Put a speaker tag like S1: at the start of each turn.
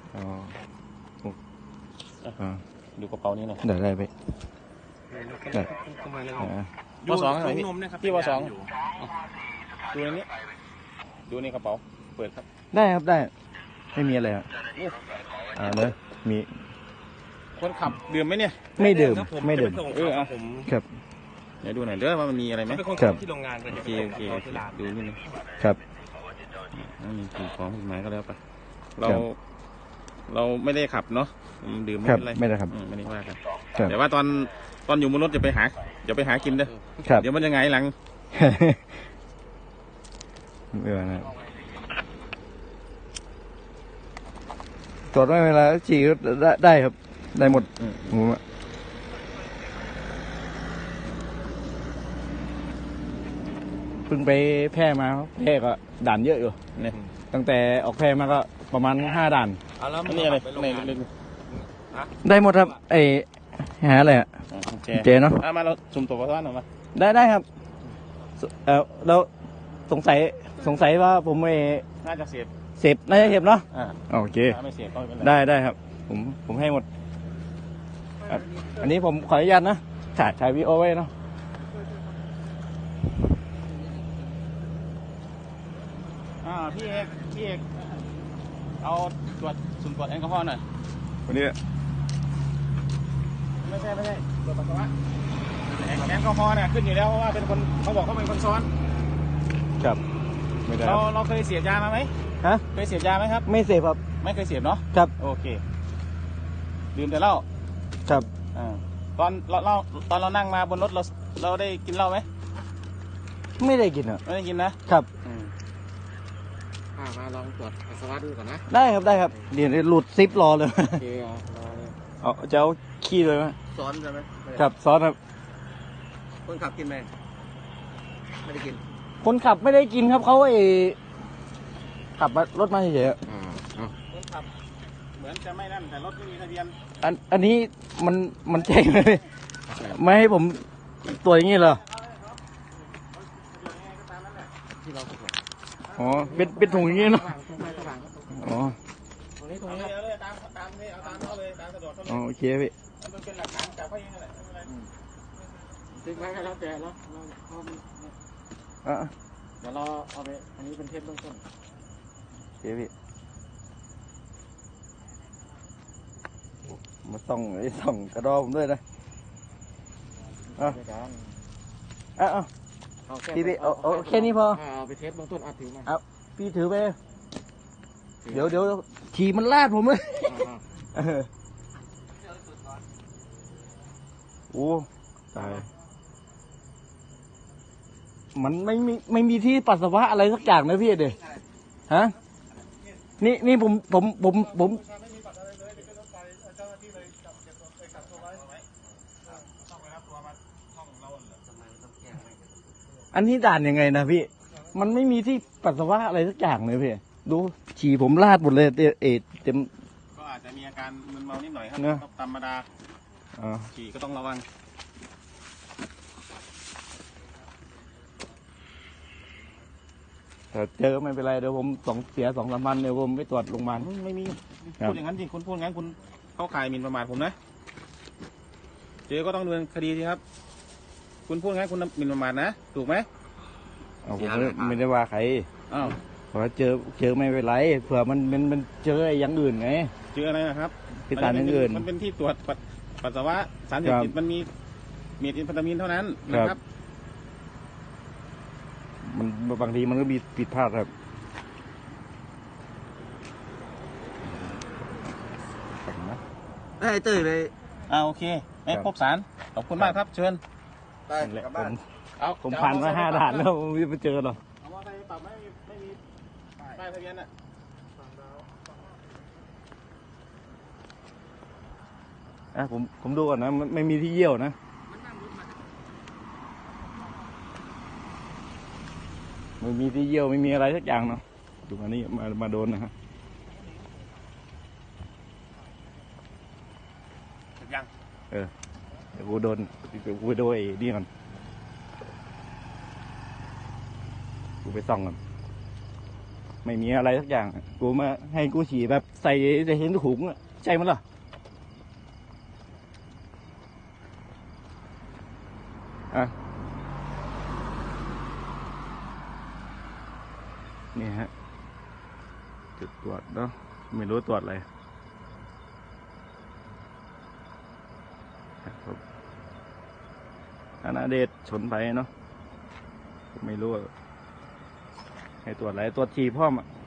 S1: อ๋อ
S2: ดูกระเป๋านี้หน่อย
S1: ได้ไปได้
S2: วสองหน่อยพี่วสองดูในนี้ดูในกระเป๋าเปิดครับ
S1: ได้ครับได้ไม่มีอะไรครับเนอะมี
S2: คนขับดื่มไหมเนี่ย
S1: ไม่ดื่มไม่ดื่มครับ
S2: เดี๋ยวดูหน่อยเด้อว่ามันมีอะไรไหม
S1: ครับ
S2: ที่โรงงานโอเคดูนิดนึง
S1: ครับ
S2: มีสิ่งของผิดหมายก็แล้วไปเราไม่ได้ขับเนาะดื่มไม่เป็นไร
S1: ไม่ได้ครับ
S2: ไม่ได้ว่ากันแต่ว่าตอนอยู่บนรถอย่าไปหากินเด้อเดี๋ยวมันจะไงหลัง
S1: ไม่ว่านะตรวจไม่เวลาฉี่ได้ครับได้หมดผมเพิ่งไปแพร่มาแพร่ก็ด่านเยอะอยู่เนี่ยตั้งแต่ออกแพร่มาก็ประมาณ5 ด่าน
S2: นี่อะไร
S1: ได้หมดครับหาอะไรอ่ะเจเนาะ
S2: มาเราสุ่มตัวประทับหน่อยมา
S1: ได้ครับแล้วสงสัยว่าผม
S2: น่าจะเสพ
S1: น่าจะเสพเนาะโอเค
S2: ไม่เสพก็ไม่เป็นไร
S1: ได้ครับผมให้หมดอันนี้ผมขออนุญาตนะถ่ายวีดีโอไว้เนาะ
S2: พี่เอกเอาสุ่มตรวจแอลกอฮอล์หน่อย
S1: วันนี้
S2: ไม่ใช่ตรวจปัสสาวะแอลกอฮอล์เนี่ยขึ้นอยู่แล้วเพราะว่าเป็นคนเขาบอกเขาเป็นคนซ้อน
S1: ครับไม่ได้
S2: เราเคยเสพยามาไหมเคยเสพยาไหมครับ
S1: ไม่เสพครับ
S2: ไม่เคยเสพเนาะ
S1: ครับ
S2: โอเคดื่มแต่เหล้า
S1: ครับ
S2: ตอนเรานั่งมาบนรถเราได้กินเหล้าไหม
S1: ไม่ได้กินอ่ะ
S2: ไม่ได้กินนะครับมาลองตรวจปัสสาวะดูก่อนนะ
S1: ได้ครับเดี๋ยวหลุดซิปรอเลยจะเอาขี้เลยไหม
S2: ซ้อนใช่ไหม
S1: ครับซ้อนครับ
S2: คนขับกินไหมไม่ได้กิน
S1: คนขับไม่ได้กินครับเขาขับรถมาเฉย
S2: ๆคนขับเหมือนจะไม่นั่นแต่รถไม่มีทะเบียน
S1: อันนี้มันแจ้งเลยไม่ให้ผมตัวอย่างนี้เหรออ๋อเป็นถุงอย่างนี้เนาะอ๋อ
S2: ตรงนี้เลยตามเขาเลยตามสะดวกเขาเลย
S1: โอเคพี่
S2: มันเป็นหลักฐานจากเขาเองนั่นแหละทิ้งไว้ก็แล้วแต่แล้วเดี๋ยวเราเอาไปอันนี้เป็นเทปเบื้องต้น
S1: โอเคพี่มาส่องกระดอผมด้วยนะพี่เอาแค่นี้พอ
S2: เอาไปเทปเบื้องต้นถือมา
S1: พี่ถือไปเดี๋ยวขี่มันลาดผมเลยโอ้ตายมันไม่มีที่ปัสสาวะอะไรสักอย่างนะพี่เด็กฮะนี่ผมอันนี้ด่านยังไงนะพี่มันไม่มีที่ปัสสาวะอะไรสักอย่างเลยพี่ดูฉี่ผมลาดหมดเลยเต็ม
S2: ก็อาจจะมีอาการมึนเมานิดหน่อยครับธรรมดาฉี่ก็ต้องระวัง
S1: เจอไม่เป็นไรเดี๋ยวผมเสีย2-3 วันเดี๋ยวผมไปตรวจโรงพยาบาล
S2: ไม่มีพูดอย่างนั้นจริงคุณพูดงั้นคุณเข้าข่ายหมิ่นประมาทผมนะเจอก็ต้องดำเนินคดีสิครับคุณพูดงั้นคุณหมิ่นประมาทนะถูกไหม
S1: ผมไม่ได้ว่าใครเพราะเจอไม่เป็นไรเผื่อมันเจออย่างอื่นไง
S2: เจออะไรนะครับ
S1: ที่สารอื่น
S2: มันเป็นที่ตรวจปัสสาวะสารเสพติดมันมีเมทแอมเฟตามีนเท่านั้นนะครับ
S1: มันบางทีมันก็มีผิดพลาดครับ
S2: ได้ตื่นเลยโอเคไม่พบสารขอบคุณมากครับเชิญ
S1: ได้ผมผ่านมา5 ด่านแล้วไม่เจอหรอก
S2: เอาว่าใครปรับไม่มีป้ายทะเบียน
S1: ผมดูก่อนนะไม่มีที่เยี่ยวนะไม่มีที่เยี่ยวไม่มีอะไรสักอย่างเนาะดูอันนี้มาโดนนะฮะ
S2: ยัง
S1: เดี๋ยวกูโดนไอ้นี่ก่อนกูไปส่องก่อนไม่มีอะไรสักอย่างกูมาให้กูฉี่แบบใส่เห็นถุงอะใช่มั้ยล่ะอ่ะนี่ฮะจุดตรวจเนาะไม่รู้ตรวจอะไรครับธนาเดชชนไปเนาะไม่รู้ให้ตรวจอะไรตรวจฉี่พ่อมอะ